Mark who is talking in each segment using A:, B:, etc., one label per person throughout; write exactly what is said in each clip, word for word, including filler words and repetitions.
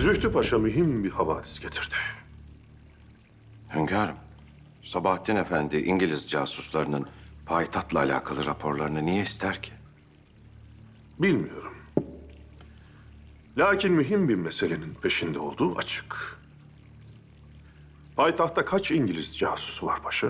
A: Zühtü Paşa mühim bir havadis getirdi.
B: Hünkârım, Sabahattin Efendi İngiliz casuslarının payitahtla alakalı raporlarını niye ister ki?
A: Bilmiyorum. Lakin mühim bir meselenin peşinde olduğu açık. Payitahtta kaç İngiliz casusu var paşa?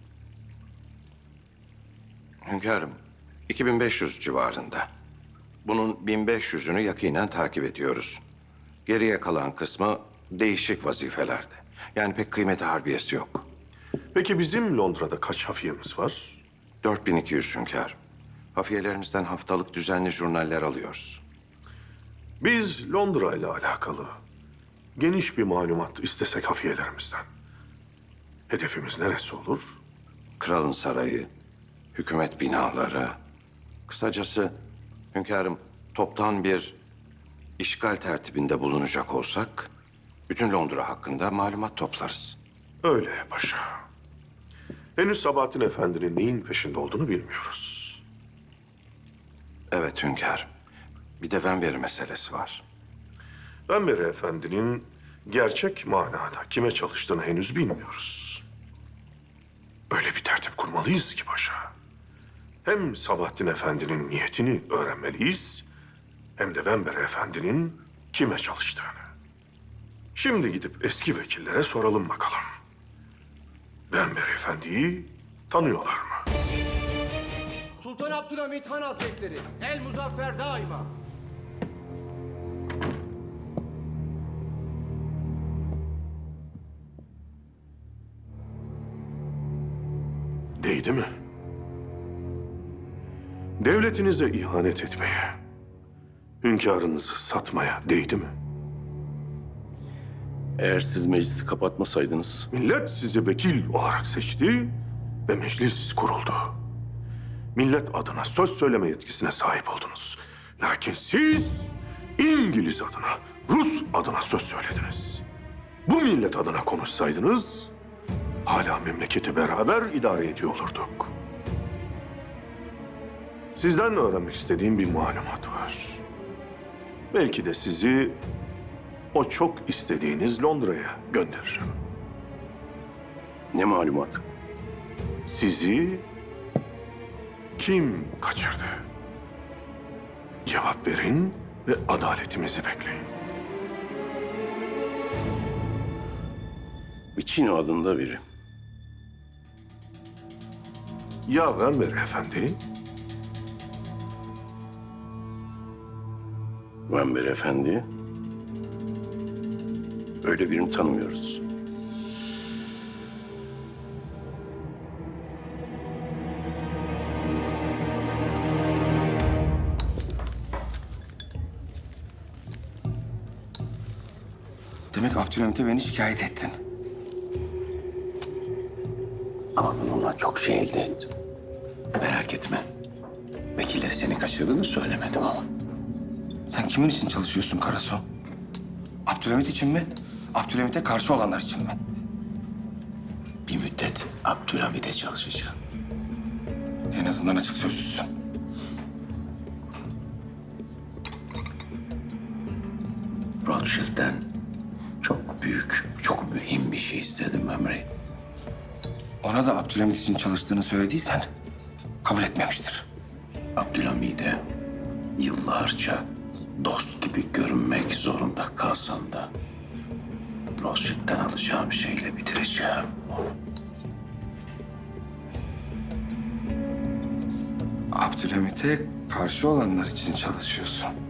B: Hünkârım, iki bin beş yüz civarında. Bunun bin beş yüzünü yakinen takip ediyoruz. Geriye kalan kısmı değişik vazifelerde. Yani pek kıymeti harbiyesi yok.
A: Peki bizim Londra'da kaç hafiyemiz var?
B: dört bin iki yüz hünkârım. Hafiyelerimizden haftalık düzenli jurnaller alıyoruz.
A: Biz Londra ile alakalı geniş bir malumat istesek hafiyelerimizden. Hedefimiz neresi olur?
B: Kralın sarayı, hükümet binaları. Kısacası hünkârım toptan bir işgal tertibinde bulunacak olsak bütün Londra hakkında malumat toplarız.
A: Öyle paşa. Henüz Sabahattin Efendi'nin neyin peşinde olduğunu bilmiyoruz.
B: Evet hünkârım. Bir de Wembury meselesi var.
A: Wembury Efendi'nin gerçek manada kime çalıştığını henüz bilmiyoruz. Öyle bir tertip kurmalıyız ki paşa. Hem Sabahattin Efendi'nin niyetini öğrenmeliyiz, hem de Wembury Efendi'nin kime çalıştığını. Şimdi gidip eski vekillere soralım bakalım. Wembury Efendi'yi tanıyorlar mı?
C: Sultan Abdülhamit Han Hazretleri, el muzaffer daima.
A: Değdi mi? Devletinize ihanet etmeye, hünkârınızı satmaya değdi mi?
D: Eğer siz meclisi kapatmasaydınız...
A: Millet sizi vekil olarak seçti ve meclis kuruldu. Millet adına söz söyleme yetkisine sahip oldunuz. Lakin siz İngiliz adına, Rus adına söz söylediniz. Bu millet adına konuşsaydınız hala memleketi beraber idare ediyor olurduk. Sizden öğrenmek istediğim bir malumat var. Belki de sizi o çok istediğiniz Londra'ya gönderirim.
D: Ne malumat?
A: Sizi kim kaçırdı? Cevap verin ve adaletimizi bekleyin.
D: Vicino adında biri.
A: Ya Wembury Efendi?
D: Wembury Efendi. Öyle birini tanımıyoruz.
E: Demek Abdülhamit'e beni şikayet ettin.
F: Ama bununla çok şey elde ettim. Merak etme. Vekilleri seni kaçırdığını söylemedim ama.
E: Sen kimin için çalışıyorsun Karaso? Abdülhamit için mi? Abdülhamit'e karşı olanlar için mi?
F: Bir müddet Abdülhamid'e çalışacağım.
E: En azından açık sözlüsün.
F: Rothschild'den çok büyük, çok mühim bir şey istedim Ömrey.
E: Ona da Abdülhamit için çalıştığını söylediysen kabul etmemiştir.
F: Abdülhamid'e yıllarca dost gibi görünmek zorunda kalsam da Rothschild'den alacağım şeyle bitireceğim onu.
E: Abdülhamit'e karşı olanlar için çalışıyorsun.